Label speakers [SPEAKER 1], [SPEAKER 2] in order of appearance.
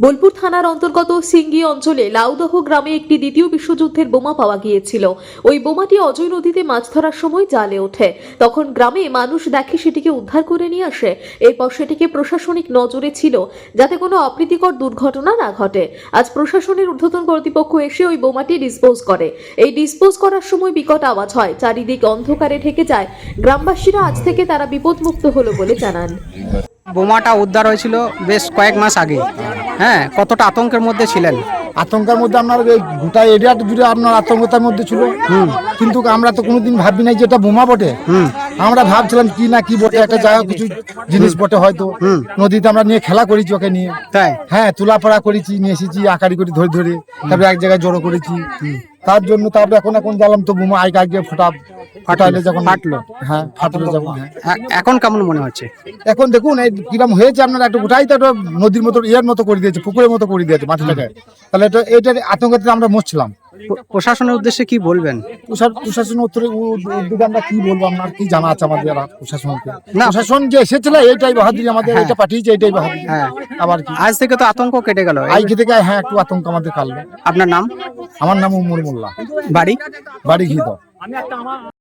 [SPEAKER 1] বোলপুর থানার অন্তর্গত সিঙ্গি অঞ্চলে লাউদহ গ্রামে একটি দ্বিতীয় বিশ্বযুদ্ধের বোমা পাওয়া গিয়েছিল। ওই বোমাটি অজয় নদীতে মাছ ধরার সময় জালে ওঠে। তখন গ্রামে মানুষ দেখে সেটিকে উদ্ধার করে নিয়ে আসে। এরপর সেটিকে প্রশাসনিক নজরে ছিল যাতে কোনো অপ্রীতিকর দুর্ঘটনা না ঘটে। আজ প্রশাসনের ঊর্ধ্বতন কর্তৃপক্ষ এসে ওই বোমাটি ডিসপোজ করে। এই ডিসপোজ করার সময় বিকট আওয়াজ হয়, চারিদিক অন্ধকারে ঢেকে যায়। গ্রামবাসীরা আজ থেকে তারা বিপদমুক্ত হলো বলে জানান।
[SPEAKER 2] বোমাটা উদ্ধার হয়েছিল বেশ কয়েক মাস আগে। হ্যাঁ, কতটা আতঙ্কের মধ্যে ছিলেন?
[SPEAKER 3] আতঙ্কের মধ্যে আপনার এই গোটা এরিয়াটা জুড়ে আপনার আতঙ্কতার মধ্যে ছিল। কিন্তু আমরা তো কোনোদিন ভাবি নাই যে এটা বোমা বটে। আমরা ভাবছিলাম কি না কি বটে, একটা জায়গা কিছু জিনিস বটে হয়তো। নদীতে আমরা নিয়ে খেলা করেছি ওকে নিয়ে।
[SPEAKER 2] তাই?
[SPEAKER 3] হ্যাঁ, তোলাপড়া করেছি, নিয়ে এসেছি আকারি করে ধরে ধরে, তারপরে এক জায়গায় জড়ো করেছি। তার জন্য তারপরে এখন জানলাম তো বোমা আগে ফাটাইলে যখন
[SPEAKER 2] ফাটলো।
[SPEAKER 3] হ্যাঁ ফাটলো যখন। হ্যাঁ,
[SPEAKER 2] এখন কেমন মনে হচ্ছে?
[SPEAKER 3] এখন দেখুন এই কিরম হয়েছে, আপনার একটা গোটাই তো একটা নদীর মতো ইয়ার মতো করে দিয়েছে, পুকুরের মতো করে দিয়েছে মাটিটাকে। তাহলে এটা এইটার আতঙ্কতে আমরা মরছিলাম।
[SPEAKER 2] প্রশাসনের উদ্দেশ্যে কি বলবেন?
[SPEAKER 3] প্রশাসন উদ্যোগে আমরা কি বলবো, আপনার কি জানা আছে আমাদের আর প্রশাসনকে?
[SPEAKER 2] না।
[SPEAKER 3] প্রশাসন যে এসেছিল এইটাই বাহাদুরি আমাদের, এটা পাঠিয়েছে এইটাই বাহাদুরি।
[SPEAKER 2] হ্যাঁ।
[SPEAKER 3] আবার কি
[SPEAKER 2] আজ থেকে তো আতঙ্ক কেটে গেল।
[SPEAKER 3] আজকে থেকে হ্যাঁ একটু আতঙ্ক আমাদের কাটলো।
[SPEAKER 2] আপনার নাম?
[SPEAKER 3] আমার নাম উমর মোল্লা,
[SPEAKER 2] বাড়ি?
[SPEAKER 3] বাড়ি ঘিদ।